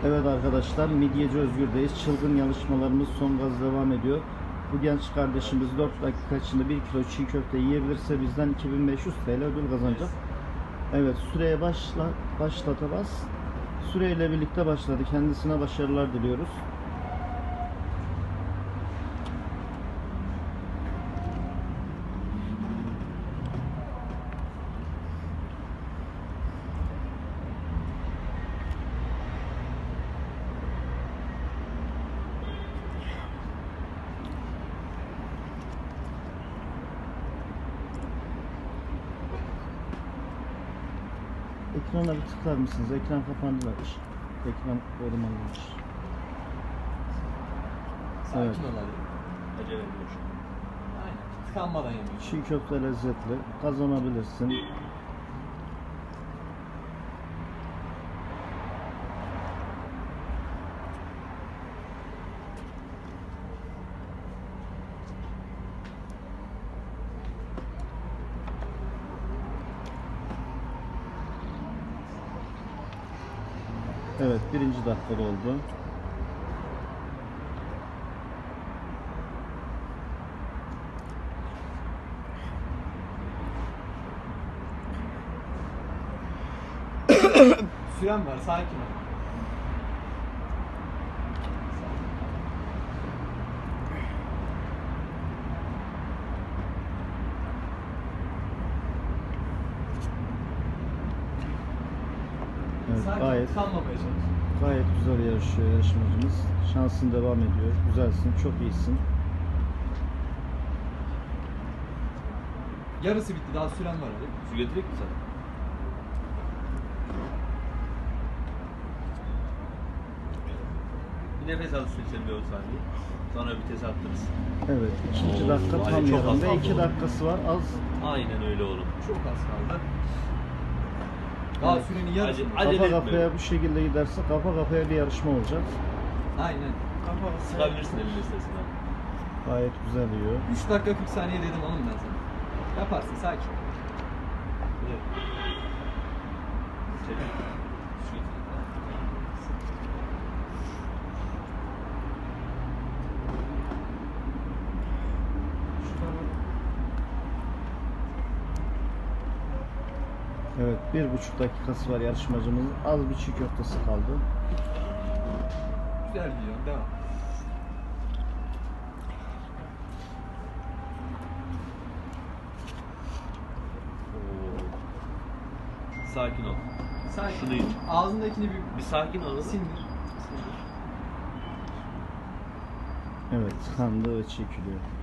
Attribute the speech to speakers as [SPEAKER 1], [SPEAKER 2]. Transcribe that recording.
[SPEAKER 1] Evet arkadaşlar, Midyeci Özgür'deyiz. Çılgın yarışmalarımız son gaz devam ediyor. Bu genç kardeşimiz 4 dakika içinde 1 kilo çiğ köfte yiyebilirse bizden 2500 TL ödül kazanacak. Evet, süreye başlatacağız. Süreyle birlikte başladı. Kendisine başarılar diliyoruz. Ekrana bir tıklar mısınız? Ekran kapandılar. Ekran korumalıymış.
[SPEAKER 2] Sakin
[SPEAKER 1] Evet.
[SPEAKER 2] ol hadi. Acele ediyor. Aynen. Tıkanmadan yemek.
[SPEAKER 1] Çiğ köfte lezzetli. Kazanabilirsin. Evet, birinci dakikada oldu.
[SPEAKER 2] Süren var, sakin ol.
[SPEAKER 1] Evet,
[SPEAKER 2] Sakin
[SPEAKER 1] gayet
[SPEAKER 2] tıkanmamaya çalış.
[SPEAKER 1] gayet güzel yarışıyor yarışmacımız. Şansın devam ediyor. Güzelsin, çok iyisin.
[SPEAKER 2] Yarısı bitti, daha süren var hadi.
[SPEAKER 3] Su getireyim mi sana? Bir nefes al sen bir 10 saniye. Sonra vites arttırırız.
[SPEAKER 1] Evet, ikinci dakika
[SPEAKER 3] Oo,
[SPEAKER 1] tam
[SPEAKER 3] Ali çok az
[SPEAKER 1] yerinde.
[SPEAKER 3] kaldı
[SPEAKER 1] 2
[SPEAKER 3] oğlum.
[SPEAKER 1] dakikası var. Az.
[SPEAKER 3] Aynen öyle oğlum.
[SPEAKER 2] Çok az kaldı. Daha
[SPEAKER 1] Evet.
[SPEAKER 2] sürenin yarısı.
[SPEAKER 3] Acele
[SPEAKER 1] Kafa
[SPEAKER 3] etme.
[SPEAKER 1] kafaya bu şekilde giderse kafa kafaya bir yarışma olacak.
[SPEAKER 2] Aynen.
[SPEAKER 3] Sıkabilirsin elini istersen abi.
[SPEAKER 1] Gayet güzel yiyor.
[SPEAKER 2] 3 dakika 40 saniye dedim oğlum ben sana. Yaparsın, sakin ol.
[SPEAKER 3] Evet. Çek. Su getir.
[SPEAKER 1] Evet, 1,5 dakikası var yarışmacımızın. Az bir çiğ köftesi kaldı.
[SPEAKER 2] Güzel gidiyor, devam.
[SPEAKER 3] Oo. Sakin ol.
[SPEAKER 2] Sakin.
[SPEAKER 3] Şunu iç.
[SPEAKER 2] Ağzındakini
[SPEAKER 3] Bir sakin ol.
[SPEAKER 2] sindir.
[SPEAKER 1] Evet, tıkandı ve çekiliyor.